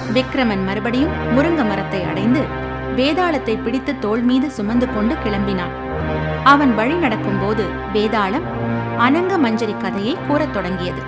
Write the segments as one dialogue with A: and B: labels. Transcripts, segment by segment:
A: விக்ரமன் மறுபடியும் முருங்க மரத்தை அடைந்து வேதாளத்தை பிடித்து தோள் மீது சுமந்து கொண்டு கிளம்பினான். அவன் வழி நடக்கும்போது வேதாளம் அனங்க மஞ்சரி கதையை கூறத் தொடங்கியது.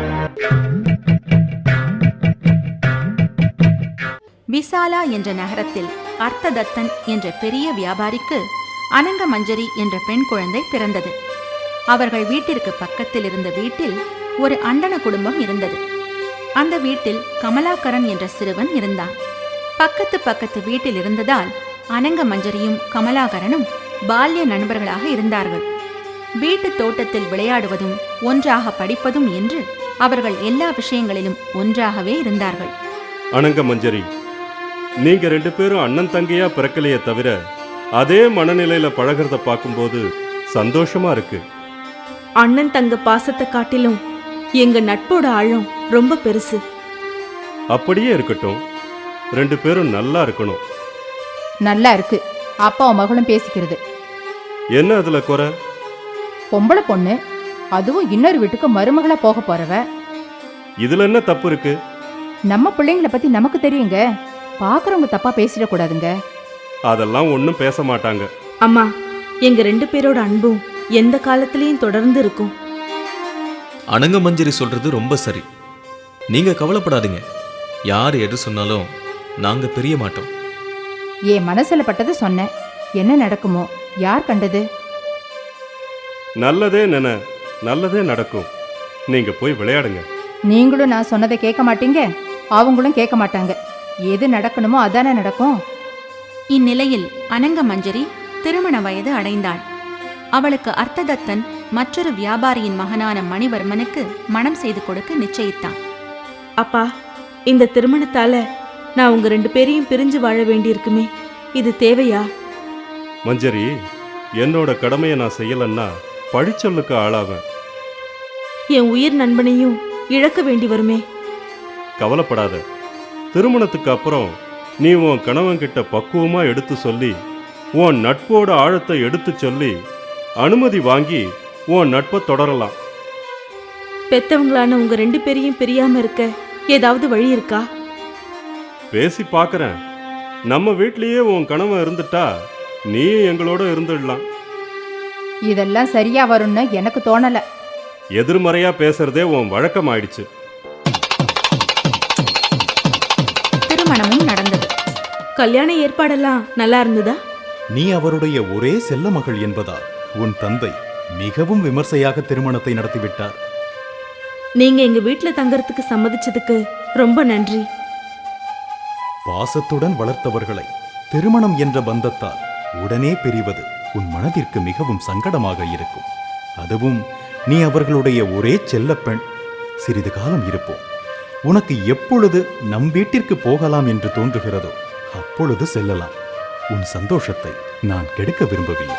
A: விசாலா என்ற நகரத்தில் அர்த்ததத்தன் என்ற பெரிய வியாபாரிக்கு அனங்க மஞ்சரி என்ற பெண் குழந்தை பிறந்தது. அவர்கள் வீட்டிற்கு பக்கத்தில் இருந்த வீட்டில் ஒரு அண்டன குடும்பம் இருந்தது. அந்த வீட்டில் கமலாகரன் என்ற சிறுவன் இருந்தான். பக்கத்து வீட்டில் இருந்ததால் அனங்க மஞ்சரியும் கமலாகரனும் பால்ய நண்பர்களாக இருந்தார்கள். வீட்டு தோட்டத்தில் விளையாடுவதும் ஒன்றாக படிப்பதும் என்று அவர்கள் எல்லா விஷயங்களிலும் ஒன்றாகவே இருந்தார்கள்.
B: அனங்க மஞ்சரி, நீங்க 2 பேரும் அண்ணன் தங்கையா பிறக்கலையே தவிர அதே மனநிலையில பழகிறத பார்க்கும்போது சந்தோஷமா இருக்கு.
C: அண்ணன் தங்க பாசத்தை காட்டிலும் எங்க நட்போட ஆழம் ரொம்ப பெருசு.
B: அப்படியே இருக்கட்டும், 2 பேரும் நல்லா இருக்கணும்.
D: நல்லா இருக்கு. அப்பாவும் மகளும் பேசிக்கிறது.
B: என்ன அதுல குறை?
D: பொம்பளை பொண்ணு, அதுவும் இன்னொரு வீட்டுக்கு மருமகளா போக போறவ.
B: இதுல என்ன தப்பு இருக்கு?
D: நம்ம பிள்ளைங்களை பத்தி நமக்கு தெரியுங்க. பாக்குறவங்க தப்பா பேசிடக்கூடாதுங்க.
B: அதெல்லாம் ஒன்னும் பேச மாட்டாங்க.
C: அம்மா, எங்க 2 பேரோட அன்பும் எந்த காலத்திலயும் தொடர்ந்து இருக்கும்.
E: அனங்க மஞ்சரி சொல்றது ரொம்ப சரி. நீங்க கவலைப்படாதீங்க. யார் எது சொன்னாலும் நாங்க பிரிய மாட்டோம்.
D: என் மனசுல பட்டது சொன்னேன். என்ன நடக்குமோ யார் கண்டது?
B: நல்லதே நினை, நல்லதே நடக்கும். நீங்க போய் விளையாடுங்க.
D: நீங்களும் நான் சொன்னதை கேட்க மாட்டீங்க, அவங்களும் கேட்க மாட்டாங்க. எது நடக்கணுமோ அதானே நடக்கும்.
A: இந்நிலையில் அனங்க மஞ்சரி திருமண வயது அடைந்தாள். அவளுக்கு அர்த்ததத்தன் மற்றொரு வியாபாரியின் மகனான மணிவர்மனுக்கு மணம் செய்து கொடுக்க நிச்சயித்தான்.
C: அப்பா, இந்த திருமணத்தால நான் உங்க 2 பேரையும் பிரிஞ்சு வாழ வேண்டியிருக்குமே, இது தேவையா?
B: மஞ்சரி, என்னோட கடமையை நான் செய்யலன்னா பழிச்சொல்லுக்கு ஆளாவேன்.
C: என் உயிர் நண்பனையும் இழக்க வேண்டி வருமே.
B: கவலைப்படாத. திருமணத்துக்கு அப்புறம் நீ உன் கணவன்கிட்ட பக்குவமா எடுத்து சொல்லி, உன் நட்போட ஆழத்தை எடுத்து சொல்லி அனுமதி வாங்கி உன் நட்பை தொடரலாம்.
C: பெத்தவங்களான உங்க 2 பேரையும் பிரியாம இருக்க ஏதாவது வழி இருக்கா?
B: பேசி பார்க்கறேன். நம்ம வீட்லயே உன் கணவன் இருந்துட்டா நீ எங்களோட இருந்துடலாம்.
D: இதெல்லாம் சரியா வரும்னு எனக்கு தோணல.
B: எதிர்மறையா பேசுறதே உன் வழக்கம் ஆயிடுச்சு.
A: திருமணமும் நடந்தது.
C: கல்யாண ஏற்பாடெல்லாம் நல்லா இருந்ததா?
F: நீ அவருடைய ஒரே செல்ல மகள் என்பதால் உன் தந்தை மிகவும் விமர்சையாக திருமணத்தை நடத்திவிட்டார்.
C: நீங்க எங்க வீட்டுல தங்கறதுக்கு சம்மதிச்சதுக்கு ரொம்ப நன்றி.
F: பாசத்துடன் வளர்த்தவர்களை திருமணம் என்ற பந்தத்தால் உடனே பிரிவது உன் மனதிற்கு மிகவும் சங்கடமாக இருக்கும். அதுவும் நீ அவர்களுடைய ஒரே செல்ல பெண். சிறிது காலம் இருப்போம். உனக்கு எப்பொழுது நம் வீட்டிற்கு போகலாம் என்று தோன்றுகிறதோ அப்பொழுது செல்லலாம். உன் சந்தோஷத்தை நான் கெடுக்க விரும்பவில்லை.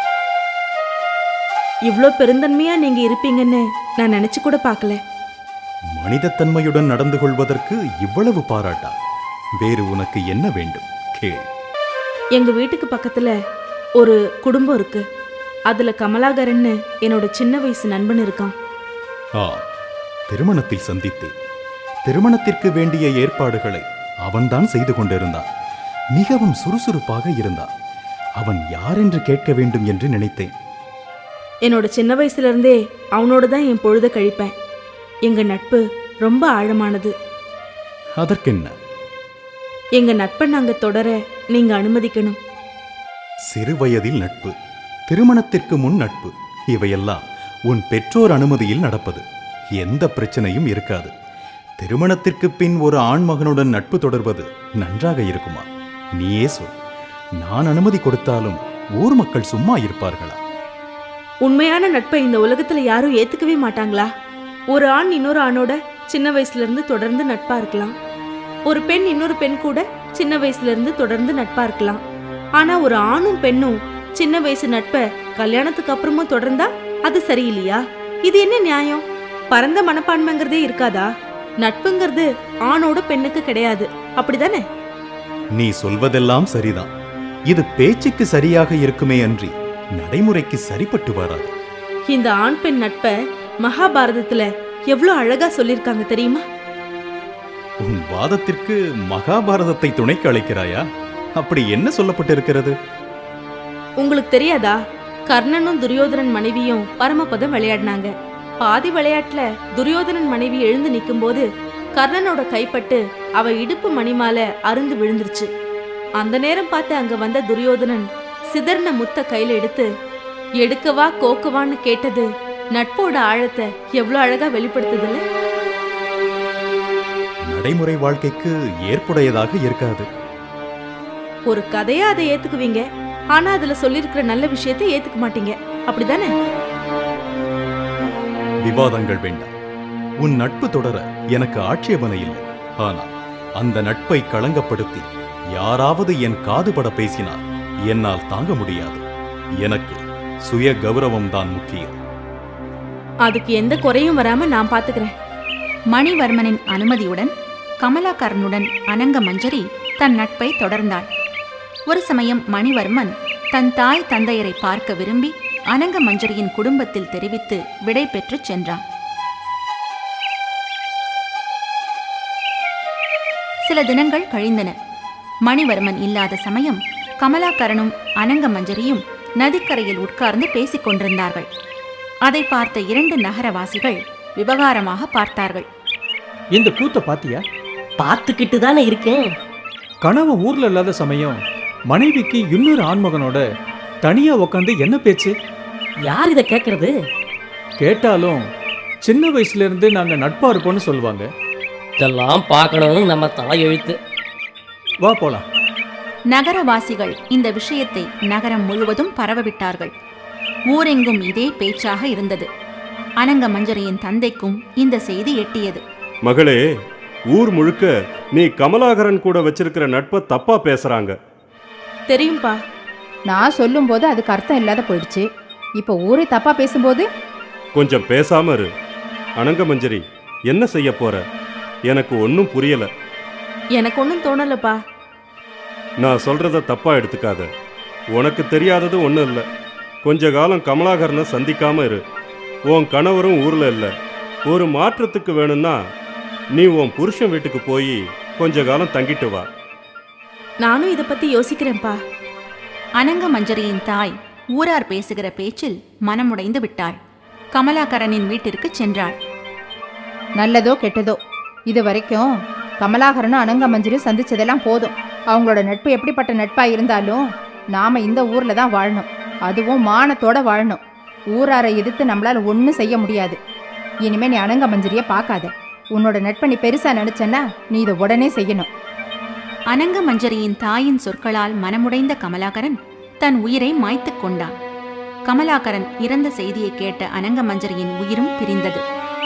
C: இவ்ளோ பெருந்தன்மையா நீங்க இருப்பீங்கன்னு நான் நினைச்சு கூட பார்க்கல.
F: மனிதத்தன்மையுடன் நடந்து கொள்வதற்கு இவ்வளவு பாராட்டா? வேறு உனக்கு என்ன வேண்டும் கேள்.
C: எங்க வீட்டுக்கு பக்கத்துல ஒரு குடும்பம் இருக்கு. அதுல கமலாகரன்னு என்னோட சின்ன வயசு நண்பன் இருக்கான்.
F: திருமணத்தில் சந்தித்தேன். திருமணத்திற்கு வேண்டிய ஏற்பாடுகளை அவன்தான் செய்து கொண்டிருந்தான். மிகவும் சுறுசுறுப்பாக இருந்தான். அவன் யார் என்று கேட்க வேண்டும் என்று நினைத்தேன்.
C: என்னோட சின்ன வயசுல இருந்தே அவனோட தான் என் பொழுத கழிப்பேன். எங்க நட்பு ரொம்ப ஆழமானது.
F: அதற்கென்ன?
C: எங்க நட்பை நாங்க தொடர நீங்க அனுமதிக்கணும்.
F: சிறு வயதில் நட்பு, திருமணத்திற்கு முன் நட்பு, இவையெல்லாம் உன் பெற்றோர் அனுமதியில் நடப்பது. எந்த பிரச்சனையும் இருக்காது. திருமணத்திற்கு பின் ஒரு ஆண்மகனுடன் நட்பு தொடர்வது நன்றாக இருக்குமா? நீயே சொல். நான் அனுமதி கொடுத்தாலும் ஊர் மக்கள் சும்மா இருப்பார்களா?
C: உண்மையான நட்பை இந்த உலகத்துல யாரும் ஏத்துக்கவே மாட்டாங்களா? ஒரு ஆண் இன்னொரு ஆணோட சின்ன வயசுல இருந்து தொடர்ந்து நட்பா இருக்கலாம். ஒரு பெண் இன்னொரு பெண் கூட சின்ன வயசுல இருந்து தொடர்ந்து நட்பா இருக்கலாம். ஆனா ஒரு ஆணும் பெண்ணும் சின்ன வயசு நட்பை கல்யாணத்துக்கு அப்புறமும் தொடர்ந்தா அது சரியில்லையா? இது என்ன நியாயம்? பரந்த மனப்பான்மைங்கிறதே இருக்காதா? நட்புங்கிறது ஆணோட பெண்ணுக்கு கிடையாது, அப்படிதானே?
F: நீ சொல்வதெல்லாம் சரிதான். இது பேச்சுக்கு சரியாக இருக்குமே அன்றி நடைமுறைக்கு சரிப்பட்டு வராது.
C: இந்த ஆண் பெண் நட்பை மகாபாரதத்துல எவ்வளவு அழகா சொல்லிருக்காங்க தெரியுமா?
F: உன் வாதத்திற்கு மகாபாரதத்தை துணைக்கு அழைக்கிறாயா? அப்படி என்ன சொல்லப்பட்டிருக்கிறது?
C: உங்களுக்கு தெரியாதா? கர்ணனும் துரியோதனன் மனைவியும் பரமபதம் விளையாடினாங்க. பாதி விளையாட்டுல துரியோதனன் மனைவி எழுந்து நிக்கும்போது கர்ணனோட கைப்பட்டு அவ இடுப்பு மணிமாலை அருந்து விழுந்துருச்சு. அந்த நேரம் பார்த்து அங்க வந்த துரியோதனன் சிதறின முத்த கையில எடுத்து எடுக்கவா கோக்கவான்னு கேட்டது நட்போட ஆழத்தை எவ்வளவு அழகா வெளிப்படுத்துதுல்ல.
F: நடைமுறை வாழ்க்கைக்கு ஏற்புடையதாக இருக்காது.
C: ஒரு கதையா அதை ஏத்துக்குவீங்க, ஆனா அதுல சொல்லியிருக்கிற நல்ல விஷயத்தை ஏத்துக்க மாட்டீங்க, அப்படிதானே?
F: விவாதங்கள் வேண்டாம். உன் நட்பு தொடர எனக்கு ஆட்சேபனை இல்லை. ஆனால் அந்த நட்பை களங்கப்படுத்தி யாராவது என் காதுபட பேசினால் என்னால் தாங்க முடியாது. எனக்கு சுய கௌரவம் தான் முக்கியம்.
C: அதுக்கு எந்த குறையும் வராம நான் பாத்துக்கிறேன்.
A: மணிவர்மனின் அனுமதியுடன் கமலாகரனுடன் அனங்க மஞ்சரி தன் நட்பை தொடர்ந்தாள். ஒரு சமயம் மணிவர்மன் தன் தாய் தந்தையரை பார்க்க விரும்பி அனங்க மஞ்சரியின் குடும்பத்தில் தெரிவித்து விடை பெற்று சென்றான். சில தினங்கள் கழிந்தன. மணிவர்மன் இல்லாத சமயம் கமலாகரனும் அனங்க மஞ்சரியும் நதிக்கரையில் உட்கார்ந்து பேசிக் கொண்டிருந்தார்கள். அதை பார்த்த 2 நகரவாசிகள் விவகாரமாக பார்த்தார்கள்.
G: இந்த கூத்த பாத்தியா?
H: பார்த்துக்கிட்டு தானே இருக்கேன்.
G: கணவன் ஊர்ல இல்லாத சமயம் மனைவிக்கு இன்னொரு ஆண்மகனோட தனியா உக்காந்து என்ன பேச்சு?
H: யார் இதை கேட்கறது?
G: கேட்டாலும் சின்ன வயசுல இருந்து நாங்க நட்பா இருப்போம்னு சொல்லுவாங்க.
H: இதெல்லாம் பார்க்கணும்னு நம்ம தலையெழுத்து.
G: வா போலாம்.
A: நகரவாசிகள் இந்த விஷயத்தை நகரம் முழுவதும் பரவவிட்டார்கள். ஊரெங்கும் இதே பேச்சாக இருந்தது. அனங்க மஞ்சரியின் தந்தைக்கும் இந்த செய்தி எட்டியது.
B: மகளே, ஊர் முழுக்க நீ கமலாகரன் கூட வச்சிருக்கிற நட்பை தப்பா பேசுறாங்க.
C: தெரியும்பா.
D: நான் சொல்லும்போது அதுக்கு அர்த்தம் இல்லாத போயிடுச்சு. இப்போ ஊரே தப்பா பேசும்போது
B: கொஞ்சம் பேசாம இரு. அனங்க மஞ்சரி, என்ன செய்ய போற? எனக்கு ஒன்றும் புரியல.
C: எனக்கு ஒன்றும் தோணலப்பா.
B: நான் சொல்றத தப்பா எடுத்துக்காத. உனக்கு தெரியாதது ஒன்றும் இல்லை. கொஞ்ச காலம் கமலாகரனை சந்திக்காம இரு. உன் கணவரும் ஊர்ல இல்லை. ஒரு மாற்றத்துக்கு வேணும்னா நீ உன் புருஷன் வீட்டுக்கு போய் கொஞ்ச காலம் தங்கிட்டு வா.
C: நானும் இதை பத்தி யோசிக்கிறேன்ப்பா.
A: அனங்க மஞ்சரியின் தாய் ஊரார் பேசுகிற பேச்சில் மனமுடைந்து விட்டாள். கமலாகரனின் வீட்டிற்கு சென்றாள்.
D: நல்லதோ கெட்டதோ இது வரைக்கும் கமலாகரனும் அனங்க மஞ்சரியும் சந்திச்சதெல்லாம் போதும். அவங்களோட நட்பு எப்படிப்பட்ட நட்பா இருந்தாலும் நாம இந்த ஊர்ல தான் வாழணும். அதுவும் மானத்தோட வாழணும். ஊராரை எதிர்த்து நம்மளால ஒன்றும் செய்ய முடியாது. இனிமே நீ அனங்க மஞ்சரியை பார்க்காத. உன்னோட நட்பை நீ பெருசா நினைச்சன்னா நீ இதை உடனே செய்யணும்.
A: அனங்க மஞ்சரியின் தாயின் சொற்களால் மனமுடைந்த கமலாகரன் தன் உயிரை மாய்த்துக் கொண்டான். கமலாகரன் இறந்த செய்தியை கேட்ட அனங்க மஞ்சரியின் உயிரும் பிரிந்தது.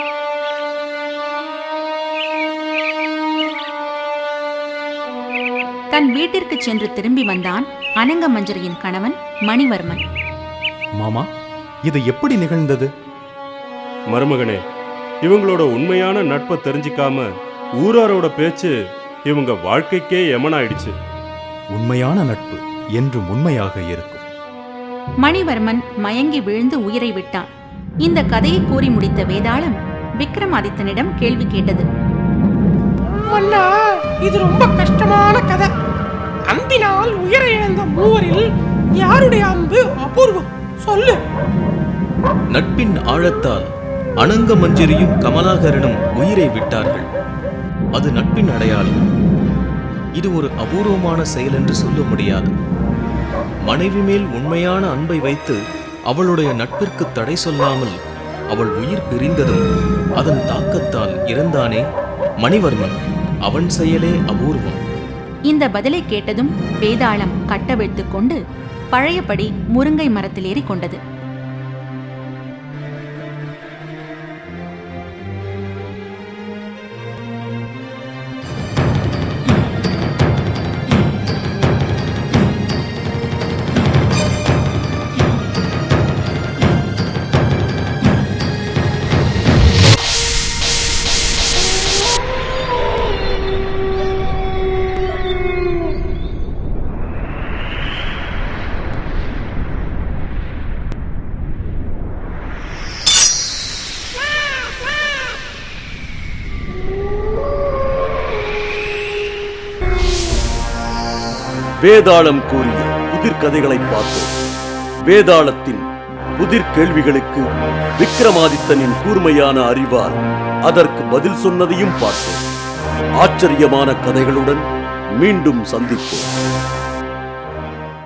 A: தன் வீட்டிற்கு சென்று திரும்பி வந்தான் அனங்க மஞ்சரியின் கணவன் மணிவர்மன்.
F: மாமா, இது எப்படி நிகழ்ந்தது?
B: மருமகனே, இவங்களோட உண்மையான நட்பை தெரிஞ்சிக்காம ஊராரோட பேச்சு இவங்க வாழ்க்கைக்கே எமனாயிடுச்சு.
F: உண்மையான நட்பு என்றும் உண்மையாக இருக்கும்.
A: மணிவர்மன் மயங்கி விழுந்து உயிரை விட்டான். இந்த கதையை கூறி முடித்த வேதாளம் விக்ரமாதித்தனிடம் கேள்வி கேட்டது.
I: அண்ணா, இது ரொம்ப கஷ்டமான கதை. அம்பினால் உயிரை இழந்த மூவரில் யாருடைய அம்பு அபூர்வம்? சொல்லு.
E: நட்பின் ஆழத்தால் அனங்க மஞ்சரியும் கமலாகரனும் உயிரை விட்டார்கள். அது நட்பின் அடையாளம். இது ஒரு அபூர்வமான செயல் என்று சொல்ல முடியாது. மனைவி மேல் உண்மையான அன்பை வைத்து அவளுடைய நட்பிற்கு தடை சொல்லாமல் அவள் உயிர் பிரிந்ததும் அதன் தாக்கத்தால் இறந்தானே மணிவர்மன். அவன் செயலே அபூர்வம்.
A: இந்த பதிலை கேட்டதும் வேதாளம் கட்டவிழ்த்துக் கொண்டு பழையபடி முருங்கை மரத்தில் ஏறி கொண்டது.
J: வேதாளம் கூறிய புதிர் கதைகளை பார்த்தோம். வேதாளத்தின் புதிர் கேள்விகளுக்கு விக்ரமாதித்தனின் கூர்மையான அறிவால் அதற்கு பதில் சொன்னதையும் பார்த்தோம். ஆச்சரியமான கதைகளுடன் மீண்டும் சந்திப்போம்.